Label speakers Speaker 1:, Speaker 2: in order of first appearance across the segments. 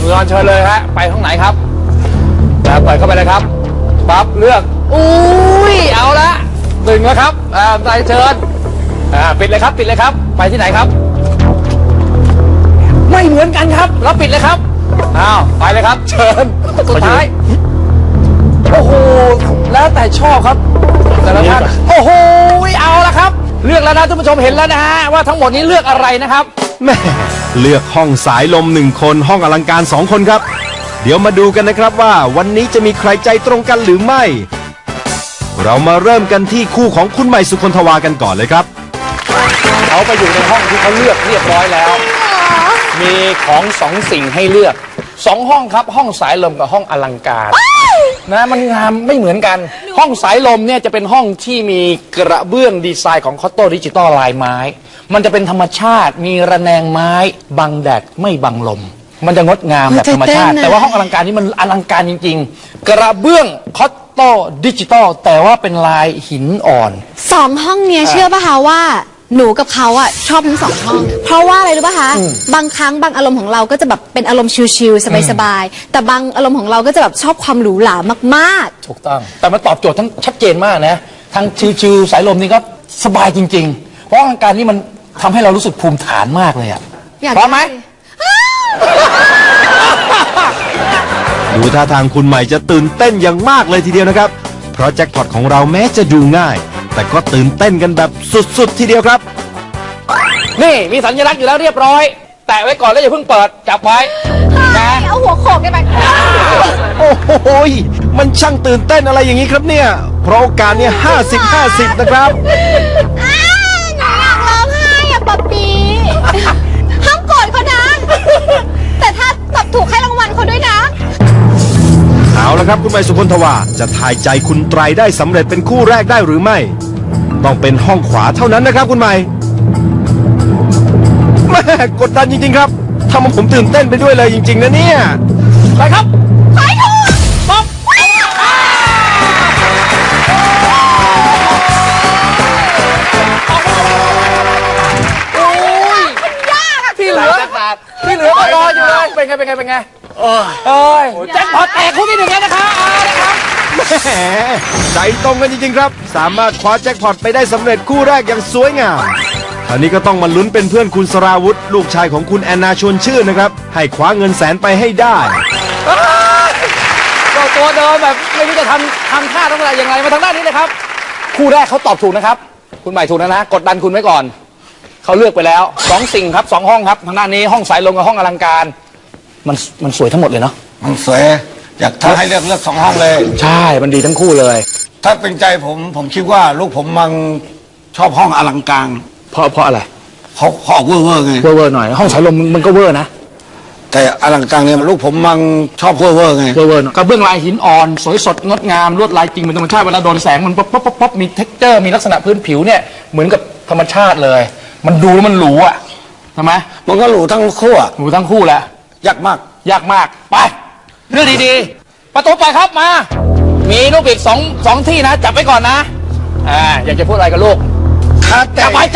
Speaker 1: คุณรอนเชิญเลยฮะไปห้องไหนครับเปิดเข้าไปเลยครับปั๊บเลือกอุ้ยเอาละหนึ่งแล้วครับใจเชิญปิดเลยครับไปที่ไหนครับไม่เหมือนกันครับแล้วปิดเลยครับอ้าวไปเลยครับเชิญสุดท้ายโอ้โหแล้วแต่ชอบครับแต่ละท่านโอ้โหเอาละครับเลือกแล้วนะท่านผู้ชมเห็นแล้วนะฮะว่าทั้งหมดนี้เลือกอะไรนะครับ
Speaker 2: แม่เลือกห้องสายลม1คนห้องอลังการ2คนครับเดี๋ยวมาดูกันนะครับว่าวันนี้จะมีใครใจตรงกันหรือไม่เรามาเริ่มกันที่คู่ของคุณใหม่สุคนทวากันก่อนเลยครับ
Speaker 1: เขาไปอยู่ในห้องที่เขาเลือกเรียบร้อยแล้วมีของ2 สิ่งให้เลือก2 ห้องครับห้องสายลมกับห้องอลังการนะมันงามไม่เหมือนกันห้องสายลมเนี่ยจะเป็นห้องที่มีกระเบื้องดีไซน์ของคอตโต้ดิจิตอลลายไม้มันจะเป็นธรรมชาติมีระแนงไม้บังแดดไม่บังลมมันจะงดงามแบบธรรมชาติแต่ว่าห้องอลังการนี่มันอลังการจริงๆกระเบื้องคอตโต้ดิจิตอลแต่ว่าเป็นลายหินอ่อน
Speaker 3: 2 ห้องเนี้ยเชื่อป่ะคะว่าหนูกับเขาอะชอบทั้ง2 ห้องเพราะว่าอะไรรู้ป่ะคะบางครั้งบางอารมณ์ของเราก็จะแบบเป็นอารมณ์ชิลๆสบายๆแต่บางอารมณ์ของเราก็จะแบบชอบความหรูหรามาก
Speaker 1: ๆถูกต้องแต่มันตอบโจทย์ทั้งชัดเจนมากนะทั้งชิลๆสายลมนี่ก็สบายจริงๆเพราะอลังการนี่มันทำให้เรารู้สึกภูมิฐานมากเลยอะพร้อมไหม
Speaker 2: ดูท่าทางคุณใหม่จะตื่นเต้นอย่างมากเลยทีเดียวนะครับเพราะแจ็คพอตของเราแม้จะดูง่ายแต่ก็ตื่นเต้นกันแบบสุดๆทีเดียวครับ
Speaker 1: นี่มีสัญลักษณ์อยู่แล้วเรียบร้อยแตะไว้ก่อนแล้วอย่าเพิ่งเปิดจับไว้
Speaker 3: นะเอาหัวโขกได้ไหม
Speaker 2: โอ้โหมันช่างตื่นเต้นอะไรอย่างนี้ครับเนี่ยเพราะโอกาสเนี่ย50-50นะครับ
Speaker 3: หนูอยากร้องไห้อะป๊อปปี้ห้ามโกรธเขานะแต่ถ้าตอบถูกให้รางวัลเขาด้วยนะ
Speaker 2: เอาละครับคุณใหม่สุคนทวาจะทายใจคุณไตรได้สำเร็จเป็นคู่แรกได้หรือไม่ต้องเป็นห้องขวาเท่านั้นนะครับคุณใหม่แม่กดดันจริงๆครับทำให้ผมตื่นเต้นไปด้วยเลยจริงๆนะเนี่ย
Speaker 1: ไปครับ
Speaker 3: ไปถูก
Speaker 1: ป๊อปโอ้ย
Speaker 3: ยากอะ
Speaker 1: ที่เหลือก็รออยู่เลยเป็นไงเอ้ยแจ็คพอตแตกคู่ที่1แล้วนะครับ
Speaker 2: แหมใจตรงกันจริงๆครับสามารถคว้าแจ็คพอตไปได้สำเร็จคู่แรกอย่างสวยงามคราวนี้ก็ต้องมาลุ้นเป็นเพื่อนคุณสราวุธลูกชายของคุณแอนนาชวนชื่นนะครับให้คว้าเงินแสนไปให้ได้
Speaker 1: ตัวเดิมแบบไม่รู้จะทำท่าต้องอะไรอย่างไรมาทางด้านนี้เลยครับคู่แรกเขาตอบถูกนะครับคุณใหม่ถูกนะกดดันคุณไว้ก่อนเขาเลือกไปแล้ว2 สิ่งครับ2 ห้องครับทางด้านนี้ห้องสายลมกับห้องอลังการมันสวยทั้งหมดเลยเนาะ
Speaker 4: มันสวยอยากถ้าให้เลือก2 ห้องเลย
Speaker 1: ใช่มันดีทั้งคู่เลย
Speaker 4: ถ้าเป็นใจผมคิดว่าลูกผมมันชอบห้องอลังการ
Speaker 1: เพราะอะไร
Speaker 4: เขาออกเวอร์ไง
Speaker 1: เวอร์หน่อยห้องสายลมมันก็เวอร์นะ
Speaker 4: แต่อลังการเนี่ยลูกผมมันชอบเวอร์ไง
Speaker 1: เวอร์กระเบื้องลายหินอ่อนสวยสดงดงามลวดลายจริงเป็นธรรมชาติเวลาโดนแสงมันป๊อปมีเท็กเจอร์มีลักษณะพื้นผิวเนี่ยเหมือนกับธรรมชาติเลยมันดูแล้วมันหรูอ่ะใช่ไหม
Speaker 4: มันก็หรูทั้งคู่
Speaker 1: หรูทั้งคู่แหละ
Speaker 4: ยากมาก
Speaker 1: ไปเลือกดีๆประตูไปครับมามีลูกอีก2 ที่นะจับไว้ก่อนนะอยากจะพูดอะไรกับลูกจับไว้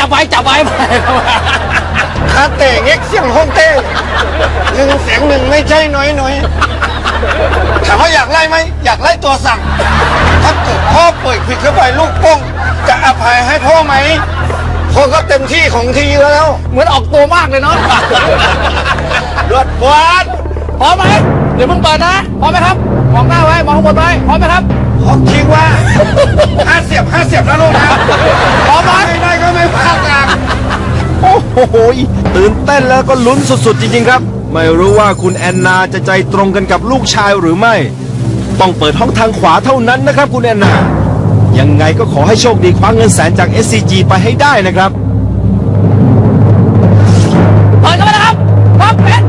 Speaker 4: คาเตะเงี้ยเสียงห้องเต้1 เสียง 1ไม่ใช่น้อยถามว่าอยากไล่ไหมอยากไล่ตัวสั่งถ้าเกิดพ่อเปิดผิดเข้าไปลูกป้องจะอภัยให้พ่อไหมพ่อก็เต็มที่ของทีแล้ว
Speaker 1: เหมือนออกตัวมากเลยเนาะ
Speaker 4: รวดบวด
Speaker 1: พร้อมไหมเดี๋ยวเพิ่งเปิดนะพร้อมไหมครับมองหน้าไว้มองข้างบนไว้พร้อมไหมครับ
Speaker 4: ผมคิดว่า50 เสียบนะลูกนะ
Speaker 1: พร้อมไหม
Speaker 4: ไม่ได้ก็ไม่พลาดกัน
Speaker 2: โอ้โหตื่นเต้นแล้วก็ลุ้นสุดๆจริงๆครับไม่รู้ว่าคุณแอนนาจะใจตรงกันกับลูกชายหรือไม่ต้องเปิดห้องทางขวาเท่านั้นนะครับคุณแอนนายังไงก็ขอให้โชคดีคว้าเงินแสนจาก SCG ไปให้ได้นะครับ
Speaker 1: เปิดกันไปนะครับปั๊บเป็น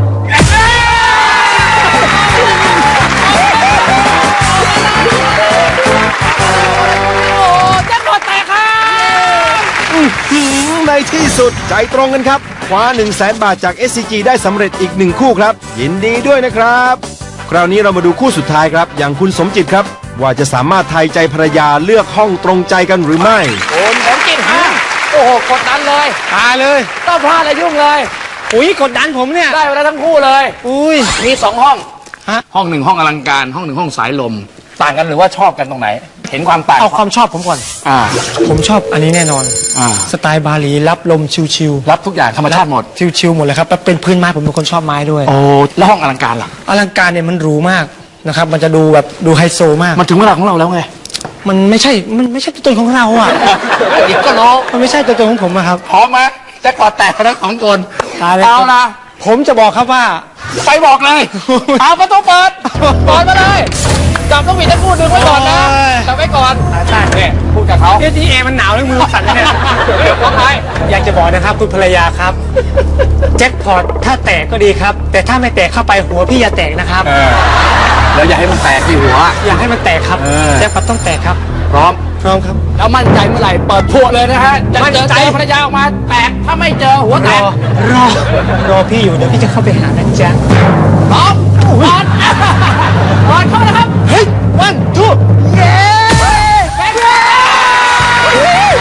Speaker 2: ในที่สุดใจตรงกันครับคว้า 100,000 บาทจาก SCG ได้สำเร็จอีก1 คู่ครับยินดีด้วยนะครับคราวนี้เรามาดูคู่สุดท้ายครับอย่างคุณสมจิตครับว่าจะสามารถทายใจภรรยาเลือกห้องตรงใจกันหรือไม่
Speaker 1: คุณสมจิตฮะโอ้โหกดดันเลย
Speaker 4: ตายเลย
Speaker 1: ต้องพลาดเลยยุ่งเลย
Speaker 5: อุ้ยกดดันผมเนี่ย
Speaker 1: ได้ไปแล้วทั้งคู่เลย
Speaker 5: อุ้ย
Speaker 1: มี2 ห้อง
Speaker 5: ฮะ
Speaker 1: ห้องหนึ่งห้องอลังการห้องหนึ่งห้องสายลม ต่างกันหรือว่าชอบกันตรงไหน เห็นความต่าง
Speaker 5: เอาความชอบผมก่อน
Speaker 1: อ่า
Speaker 5: ผมชอบอันนี้แน่นอน
Speaker 1: อ่า
Speaker 5: สไตล์บาหลีรับลมชิว
Speaker 1: รับทุกอย่างธรรมชาติหมด
Speaker 5: ๆชิวๆหมดเลยครับแล้วเป็นพื้นไม้ผมเป็นคนชอบไม้ด้วย
Speaker 1: โอ้แล้วห้องอลังการล่ะ
Speaker 5: อลังการเนี่ยมันหรูมากนะครับ มันจะดูแบบดูไฮโซมาก
Speaker 1: มันถึงเวลาของเราแล้วไง
Speaker 5: มันไม่ใช่ตัวตนของเราอ่ะ
Speaker 1: อีกก็รู้
Speaker 5: มันไม่ใช่ตัวตนของผมอะครับ
Speaker 1: พร้อมไหมแจ็คพอตแตกทั้ง2 คน
Speaker 5: ตายแล้ว
Speaker 1: เอานะ
Speaker 5: ผมจะบอกครับว่า
Speaker 1: ไปบอกเลย เอาประตูเปิดมาเลยจับต้องมีทั้งคู่ดึงไว้ก่อนนะ
Speaker 5: โอ้ย
Speaker 1: จับไว้ก่อนเนี่ยพูดกับเขา
Speaker 5: เอทีเอมันหนาวแล้วมือสั่นเลยเนี่ย
Speaker 1: ว่าไง
Speaker 5: อยากจะบอกนะครับคุณภรรยาครับ แจ็คพอตถ้าแตกก็ดีครับ แต่ถ้าไม่แตกเข้าไปหัวพี่อย่าแตกนะครับ
Speaker 1: แล้วอย่าให้มันแตกที่หัว
Speaker 5: อยากให้มันแตกครับ แจ็คพอตต้องแตกครับ
Speaker 1: พร้อม
Speaker 5: พร้อมครับ
Speaker 1: แล้วมั่นใจเมื่อไหร่เปิดพวเลยนะฮะจะ
Speaker 5: มั่น
Speaker 1: เจอ
Speaker 5: ใจ
Speaker 1: ภรรยาออกมาแตกถ้าไม่เจอหัวแตก
Speaker 5: รอพี่อยู่เดี๋ยวพี่จะเข้าไปหานะจ๊ะ
Speaker 1: พร้อมบอลบอลเข้ามานะครับ
Speaker 5: เฮ้ยวันทูเย้
Speaker 1: แบงค์เลย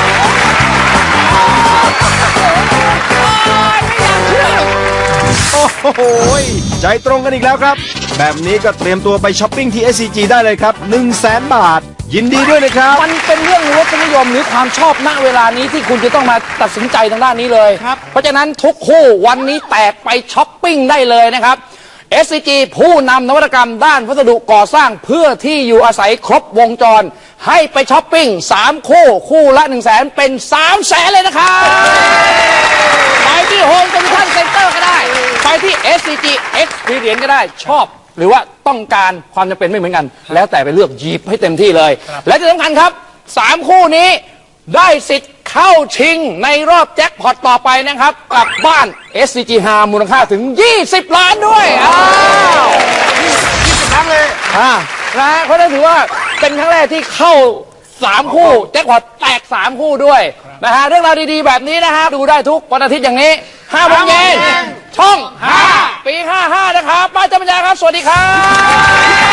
Speaker 2: โอ้โหใจตรงกันอีกแล้วครับ แบบนี้ก็เตรียมตัวไปช้อปปิ้งที่ SCG ได้เลยครับ 100,000 บาท ยินดีด้วยนะครับ
Speaker 1: มันเป็นเรื่องรสนิยมหรือความชอบณเวลานี้ที่คุณจะต้องมาตัดสินใจทางด้านนี้เลย เพราะฉะนั้นทุกคู่วันนี้แตกไปช้อปปิ้งได้เลยนะครับ SCG ผู้นำนวัตกรรมด้านวัสดุก่อสร้างเพื่อที่อยู่อาศัยครบวงจร ให้ไปช้อปปิ้ง3 คู่ละ 100,000 เป็น 300,000 เลยนะครับ ไปที่โฮมเซ็นทรัลเซ็นเตอร์ก็ได้ ไปที่ SCG Experience ก็ได้ชอบ หรือว่าต้องการความจำเป็นไม่เหมือนกัน แล้วแต่ไปเลือกหยิบให้เต็มที่เลย และที่สำคัญครับ 3 คู่นี้ได้สิทธิ์เข้าชิงในรอบแจ็คพอตต่อไปนะครับกลับบ้าน SCG 5มูลค่าถึง 20 ล้านด้วยอ้าว20 ครั้งเลยนะเพราะนั่นถือว่าเป็นครั้งแรกที่เข้า 3 คู่แจ็คพอตแตก 3 คู่ด้วยนะฮะเรื่องราวดีๆแบบนี้นะฮะดูได้ทุกวันอาทิตย์อย่างนี้5 โมงเย็นช่อง 5 ปี 55 นะครับป้าจำปัญญาครับ สวัสดีครับ